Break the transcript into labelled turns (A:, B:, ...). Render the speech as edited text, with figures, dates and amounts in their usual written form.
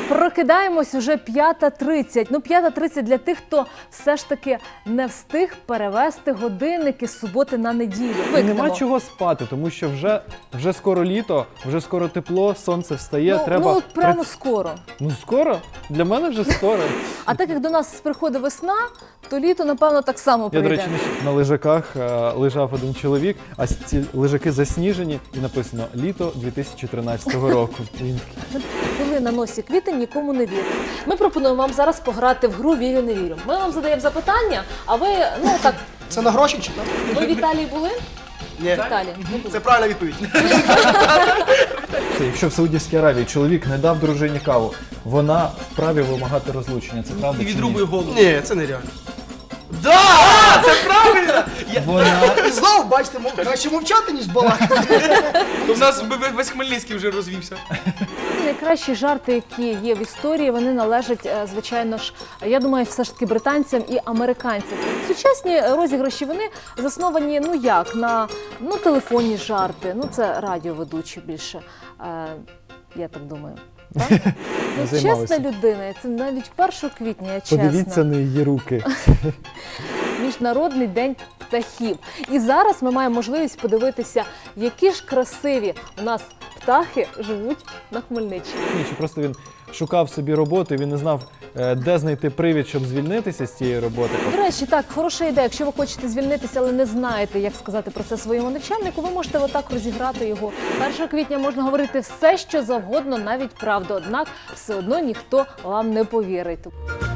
A: Прокидаємось уже 5:30. Ну, 5:30 для тих, хто все ж таки не встиг перевести годинники з суботи на неділю.
B: І нема чого спати, тому що вже скоро літо, вже скоро тепло, сонце встає, треба...
A: Ну, прямо скоро.
B: Ну, скоро? Для мене вже скоро.
A: А так як до нас приходить весна, то літо, напевно, так само
B: Я,
A: прийде.
B: до речі, на лежаках лежав один чоловік, а ці лежаки засніжені, і написано «Літо 2013 року». Він такий,
A: Коли на носі квітень, нікому не вірить. Ми пропонуємо вам зараз пограти в гру «Вірю, не вірю». Ми вам задаємо запитання, а ви, ну так,
C: Це на гроші чи так?
A: ви в Італії були?
C: Ні.
A: В Італії не були.
C: Це правильна відповідь.
B: Це, якщо в Саудівській Аравії чоловік не дав дружині каву, вона вправі вимагати розлучення. Це правда
D: І
B: чи
D: відрубує
B: ні?
D: голову.
C: Ні, це нереально. Да! Це правильно!
B: Вона...
C: І знову, бачите, краще мовчати, ніж балакати.
D: То в нас весь Хмельницький вже розвівся.
A: Найкращі жарти, які є в історії, вони належать, звичайно ж, я думаю, все ж таки британцям і американцям. Сучасні розіграші, вони засновані, ну як, на телефонні жарти, ну це радіоведучі більше, я так думаю. Так? Ну,
B: Займалися.
A: чесна людина, це навіть 1 квітня, я чесна.
B: Подивіться на її руки.
A: Міжнародний день птахів. І зараз ми маємо можливість подивитися, які ж красиві у нас птахи живуть на Хмельниччині.
B: Ні, чи просто він шукав собі роботу, і він не знав, де знайти привід, щоб звільнитися з цієї роботи.
A: До речі, так, хороша ідея. Якщо ви хочете звільнитися, але не знаєте, як сказати про це своєму начальнику, ви можете отак розіграти його. 1 квітня можна говорити все, що завгодно, навіть правду. Однак все одно ніхто вам не повірить.